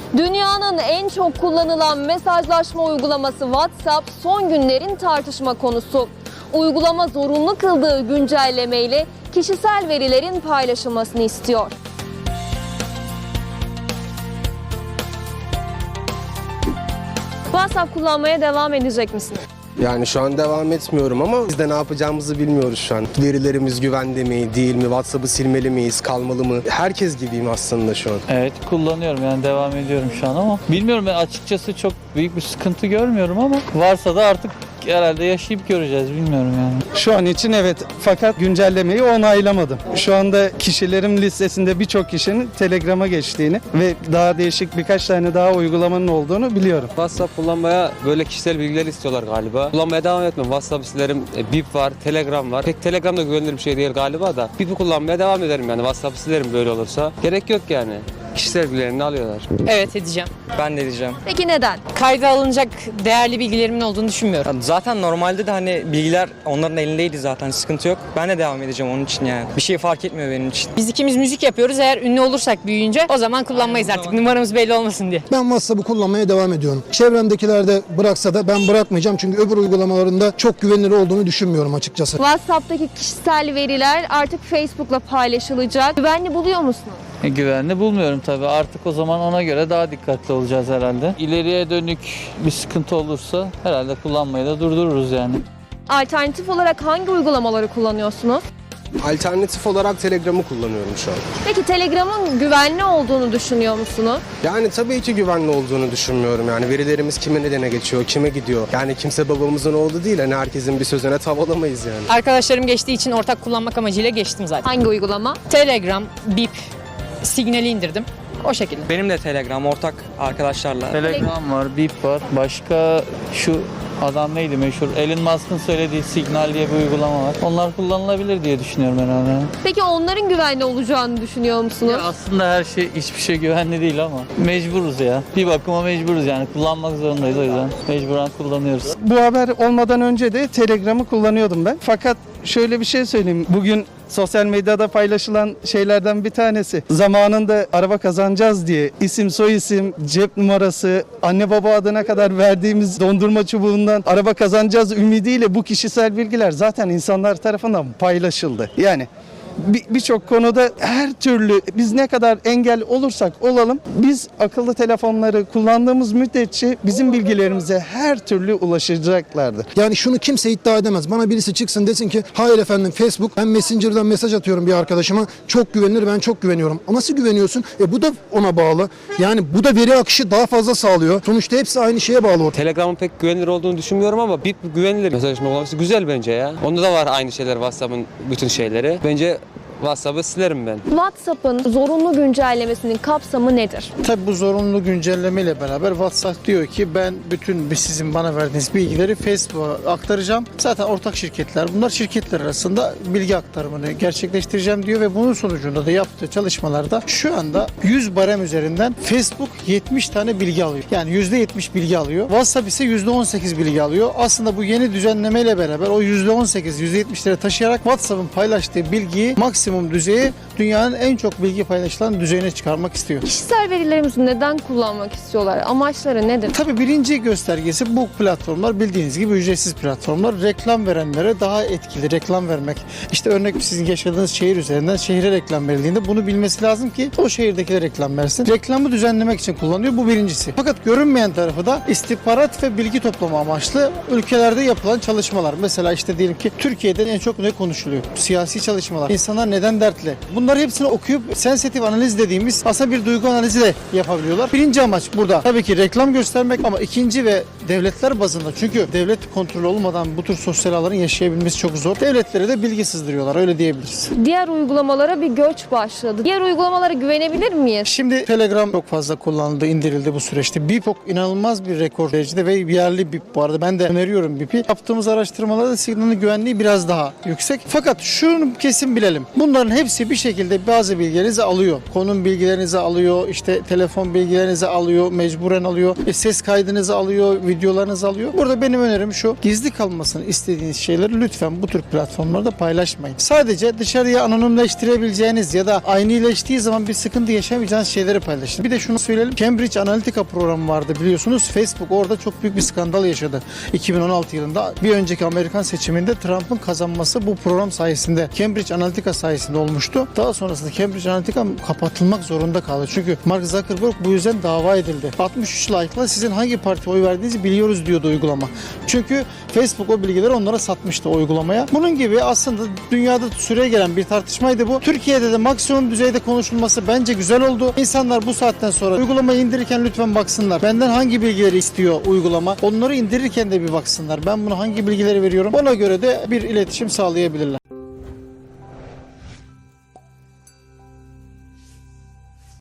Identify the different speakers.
Speaker 1: Dünyanın en çok kullanılan mesajlaşma uygulaması WhatsApp son günlerin tartışma konusu. Uygulama zorunlu kıldığı güncellemeyle kişisel verilerin paylaşılmasını istiyor. WhatsApp kullanmaya devam edecek misiniz?
Speaker 2: Yani şu an devam etmiyorum ama biz de ne yapacağımızı bilmiyoruz şu an. Verilerimiz güvende mi, değil mi? WhatsApp'ı silmeli miyiz, kalmalı mı? Herkes gibiyim aslında şu an.
Speaker 3: Evet, kullanıyorum yani devam ediyorum şu an ama bilmiyorum, ben açıkçası çok büyük bir sıkıntı görmüyorum ama varsa da artık herhalde yaşayıp göreceğiz, bilmiyorum yani.
Speaker 4: Şu an için evet, fakat güncellemeyi onaylamadım. Şu anda kişilerin listesinde birçok kişinin Telegram'a geçtiğini ve daha değişik birkaç tane daha uygulamanın olduğunu biliyorum.
Speaker 5: WhatsApp kullanmaya böyle kişisel bilgiler istiyorlar galiba. Kullanmaya devam etmem. WhatsApp silerim, Bip var, Telegram var. Pek Telegram da güvenilir bir şey değil galiba da. Bip'i kullanmaya devam ederim yani. WhatsApp'ı silerim böyle olursa. Gerek yok yani. Kişisel bilgilerini alıyorlar.
Speaker 6: Evet, edeceğim.
Speaker 7: Ben de diyeceğim.
Speaker 1: Peki neden?
Speaker 6: Kayda alınacak değerli bilgilerimin olduğunu düşünmüyorum.
Speaker 7: Zaten normalde de hani bilgiler onların elindeydi zaten, sıkıntı yok. Ben de devam edeceğim onun için yani. Bir şey fark etmiyor benim için.
Speaker 6: Biz ikimiz müzik yapıyoruz. Eğer ünlü olursak büyüyünce o zaman kullanmayız artık. Numaramız belli olmasın diye.
Speaker 8: Ben WhatsApp'ı kullanmaya devam ediyorum. Çevremdekiler de bıraksa da ben bırakmayacağım. Çünkü öbür uygulamalarında çok güvenilir olduğunu düşünmüyorum açıkçası.
Speaker 1: WhatsApp'taki kişisel veriler artık Facebook'la paylaşılacak. Güvenli buluyor musunuz?
Speaker 3: Güvenli bulmuyorum tabii. Artık o zaman ona göre daha dikkatli olacağız herhalde. İleriye dönük bir sıkıntı olursa herhalde kullanmayı da durdururuz yani.
Speaker 1: Alternatif olarak hangi uygulamaları kullanıyorsunuz?
Speaker 2: Alternatif olarak Telegram'ı kullanıyorum şu an.
Speaker 1: Peki Telegram'ın güvenli olduğunu düşünüyor musunuz?
Speaker 2: Yani tabii ki güvenli olduğunu düşünmüyorum. Yani verilerimiz kime nedene geçiyor, kime gidiyor? Yani kimse babamızın oğlu değil. Hani herkesin bir sözüne tav alamayız yani.
Speaker 6: Arkadaşlarım geçtiği için ortak kullanmak amacıyla geçtim zaten.
Speaker 1: Hangi uygulama?
Speaker 6: Telegram, Bip, Signal'i indirdim. O şekilde.
Speaker 7: Benim de Telegram ortak arkadaşlarla.
Speaker 3: Telegram var, Bip var. Başka şu adam neydi meşhur? Elon Musk'ın söylediği Signal diye bir uygulama var. Onlar kullanılabilir diye düşünüyorum herhalde.
Speaker 1: Peki onların güvenli olacağını düşünüyor musunuz?
Speaker 3: Ya aslında her şey, hiçbir şey güvenli değil ama mecburuz ya. Bir bakıma mecburuz yani. Kullanmak zorundayız, o yüzden mecburen kullanıyoruz.
Speaker 4: Bu haber olmadan önce de Telegram'ı kullanıyordum ben. Fakat şöyle bir şey söyleyeyim. Bugün sosyal medyada paylaşılan şeylerden bir tanesi. Zamanında araba kazanacağız diye isim, soyisim, cep numarası, anne baba adına kadar verdiğimiz dondurma çubuğundan araba kazanacağız ümidiyle bu kişisel bilgiler zaten insanlar tarafından paylaşıldı. Yani birçok konuda her türlü biz ne kadar engel olursak olalım, biz akıllı telefonları kullandığımız müddetçe bizim bilgilerimize her türlü ulaşacaklardır.
Speaker 8: Yani şunu kimse iddia edemez. Bana birisi çıksın desin ki hayır efendim Facebook, ben Messenger'dan mesaj atıyorum bir arkadaşıma. Çok güvenilir, ben çok güveniyorum. Ama nasıl güveniyorsun? Bu da ona bağlı. Yani bu da veri akışı daha fazla sağlıyor. Sonuçta hepsi aynı şeye bağlı.
Speaker 5: Telegram'ın pek güvenilir olduğunu düşünmüyorum ama Bip güvenilir. Mesajlaşma uygulaması güzel bence ya. Onda da var aynı şeyler, WhatsApp'ın bütün şeyleri. Bence WhatsApp'ı silerim ben.
Speaker 1: WhatsApp'ın zorunlu güncellemesinin kapsamı nedir?
Speaker 9: Tabii bu zorunlu güncelleme ile beraber WhatsApp diyor ki ben bütün sizin bana verdiğiniz bilgileri Facebook'a aktaracağım. Zaten ortak şirketler bunlar, şirketler arasında bilgi aktarımını gerçekleştireceğim diyor ve bunun sonucunda da yaptığı çalışmalarda şu anda 100 barem üzerinden Facebook 70 tane bilgi alıyor. Yani %70 bilgi alıyor. WhatsApp ise %18 bilgi alıyor. Aslında bu yeni düzenleme ile beraber o %18, %70'lere taşıyarak WhatsApp'ın paylaştığı bilgiyi maksimum düzeye, dünyanın en çok bilgi paylaşılan düzeyine çıkarmak istiyor.
Speaker 1: Kişisel verilerimizi neden kullanmak istiyorlar? Amaçları nedir?
Speaker 9: Tabii birinci göstergesi bu platformlar bildiğiniz gibi ücretsiz platformlar. Reklam verenlere daha etkili reklam vermek. İşte örnek sizin yaşadığınız şehir üzerinden şehre reklam verildiğinde bunu bilmesi lazım ki o şehirdekilere reklam versin. Reklamı düzenlemek için kullanıyor. Bu birincisi. Fakat görünmeyen tarafı da istihbarat ve bilgi toplama amaçlı ülkelerde yapılan çalışmalar. Mesela işte diyelim ki Türkiye'de en çok ne konuşuluyor? Siyasi çalışmalar. İnsanlar neden dertli? Bunları hepsini okuyup sensitif analiz dediğimiz aslında bir duygu analizi de yapabiliyorlar. Birinci amaç burada tabii ki reklam göstermek ama ikinci ve devletler bazında, çünkü devlet kontrolü olmadan bu tür sosyal ağların yaşayabilmesi çok zor. Devletlere de bilgi sızdırıyorlar, öyle diyebiliriz.
Speaker 1: Diğer uygulamalara bir göç başladı. Diğer uygulamalara güvenebilir miyiz?
Speaker 9: Şimdi Telegram çok fazla kullanıldı, indirildi bu süreçte. Bip inanılmaz bir rekor derecede ve yerli Bip bu arada. Ben de öneriyorum Bip'i. Yaptığımız araştırmalarda signalin güvenliği biraz daha yüksek. Fakat şunu kesin bilelim. Bunların hepsi bir şekilde bazı bilgilerinizi alıyor. Konum bilgilerinizi alıyor, işte telefon bilgilerinizi alıyor, mecburen alıyor. Ses kaydınızı alıyor, video videolarınızı alıyor. Burada benim önerim şu. Gizli kalmasını istediğiniz şeyleri lütfen bu tür platformlarda paylaşmayın. Sadece dışarıya anonimleştirebileceğiniz ya da aynileştiği zaman bir sıkıntı yaşamayacağınız şeyleri paylaşın. Bir de şunu söyleyelim. Cambridge Analytica programı vardı biliyorsunuz. Facebook orada çok büyük bir skandal yaşadı. 2016 yılında bir önceki Amerikan seçiminde Trump'ın kazanması bu program sayesinde, Cambridge Analytica sayesinde olmuştu. Daha sonrasında Cambridge Analytica kapatılmak zorunda kaldı. Çünkü Mark Zuckerberg bu yüzden dava edildi. 63 like'la sizin hangi partiye oy verdiğinizi biliyoruz diyordu uygulama. Çünkü Facebook o bilgileri onlara satmıştı o uygulamaya. Bunun gibi aslında dünyada süre gelen bir tartışmaydı bu. Türkiye'de de maksimum düzeyde konuşulması bence güzel oldu. İnsanlar bu saatten sonra uygulamayı indirirken lütfen baksınlar. Benden hangi bilgileri istiyor uygulama? Onları indirirken de bir baksınlar. Ben bunu hangi bilgileri veriyorum? Ona göre de bir iletişim sağlayabilirler.